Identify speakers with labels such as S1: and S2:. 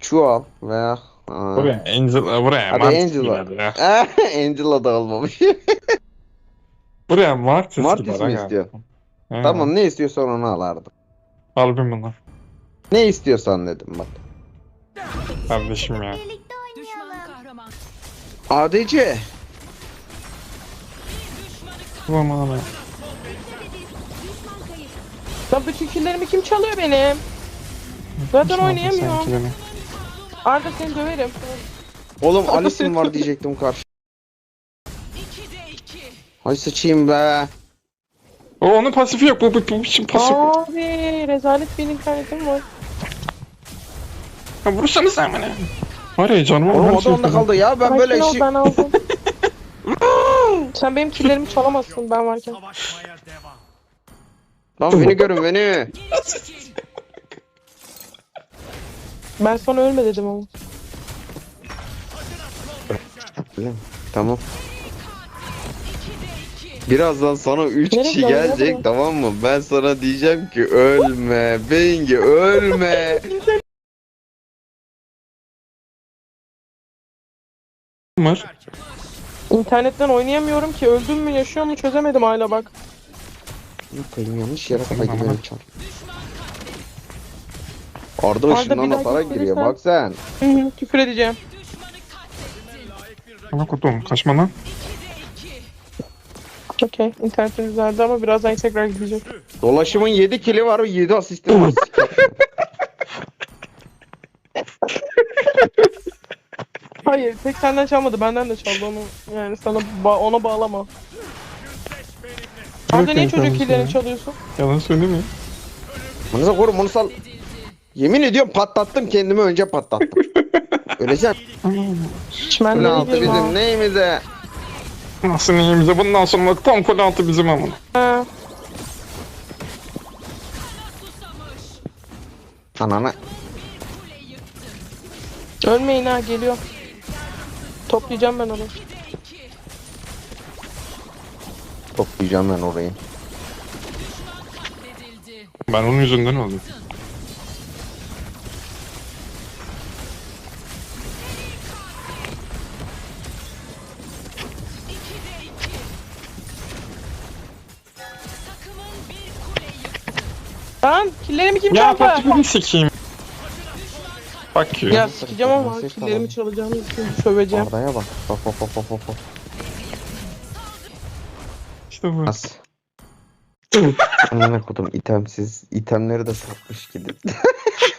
S1: Çuval veya
S2: Buraya Angela, buraya
S1: hadi
S2: Mantis
S1: Angela.
S2: gider ya.
S1: Angela da olmamış.
S2: Buraya Martis
S1: Martis
S2: gider
S1: mi
S2: aga.
S1: istiyor?
S2: He.
S1: Tamam, ne istiyorsan onu alardım.
S2: Al bin bunu.
S1: Ne istiyorsan dedim bak.
S2: Kardeşim ya.
S3: Birlikte oynayalım. Kahraman.
S1: ADC.
S2: Aman aman.
S3: Düşman kayıp.
S4: Lan bütün killerimi kim çalıyor benim? Zaten oynayamıyorum.
S2: Sanki beni.
S4: Arda seni döverim.
S1: Oğlum Alice'in var diyecektim karşı. Ay sıçayım be.
S2: O onun pasifi yok. Bu için pasif.
S4: Abi rezalet bir internetim var.
S2: Ya vursana sen bana. Var ya canım.
S1: Oğlum o da onda kaldı ya, ben böyle
S4: Sakin ol,
S1: işi...
S4: ben aldım. Sen benim killerimi çalamazsın ben varken.
S1: Lan beni görün beni.
S4: Ben sana ölme dedim ama.
S1: Tamam. Birazdan sana 3
S4: Nereye
S1: kişi
S4: gidiyorsun?
S1: gelecek,
S4: Nereye?
S1: tamam mı? Ben sana diyeceğim ki ölme Bengi, ölme.
S2: Var.
S4: İnternetten oynayamıyorum ki, öldüm mü yaşıyor mu çözemedim hala bak.
S1: Bakayım, yanlış yere kaydı
S2: Tamam.
S1: benim çar. Arda
S4: bir
S1: ışından
S4: daha
S1: atarak
S4: gitmediysen-
S1: giriyor bak sen.
S4: Hı, küfür edeceğim.
S2: Ana kutum. Kaçma lan.
S4: Okey, internetim düzeldi ama birazdan tekrar gidecek.
S1: Dolaşımın 7 kili var, 7 asistim var.
S4: Hayır, tek senden çalmadı, benden de çaldı onu. Yani sana ona bağlama. Arda niye çocuk killerini çalıyorsun?
S2: Yalan söyleme.
S1: Bunu da korum, onu sal. Yemin ediyorum patlattım kendimi, önce patlattım. Öleceğim.
S4: Ben
S1: Kule
S4: de
S1: altı bizim neyimize?
S2: Nasıl neyimize? Bundan sonra tam kule altı bizim ama.
S4: Ha,
S1: Anana.
S4: ölmeyin ha, geliyor. Toplayacağım ben onu.
S1: Toplayacağım ben orayı.
S2: Ben onun yüzünden oldum.
S4: Lan killerimi kim
S2: Ya
S4: çaldı?
S2: patifi sikeyim. Bak
S4: Ya
S2: ya.
S4: sikeceğim ama
S1: Mesaj
S4: killerimi
S1: alalım.
S4: çalacağım için söveceğim.
S1: Arda'ya bak. Bak bak bak bak bak.
S2: İşte bu.
S1: Nasıl? Amına kodum itemsiz. İtemleri de satmış gidip.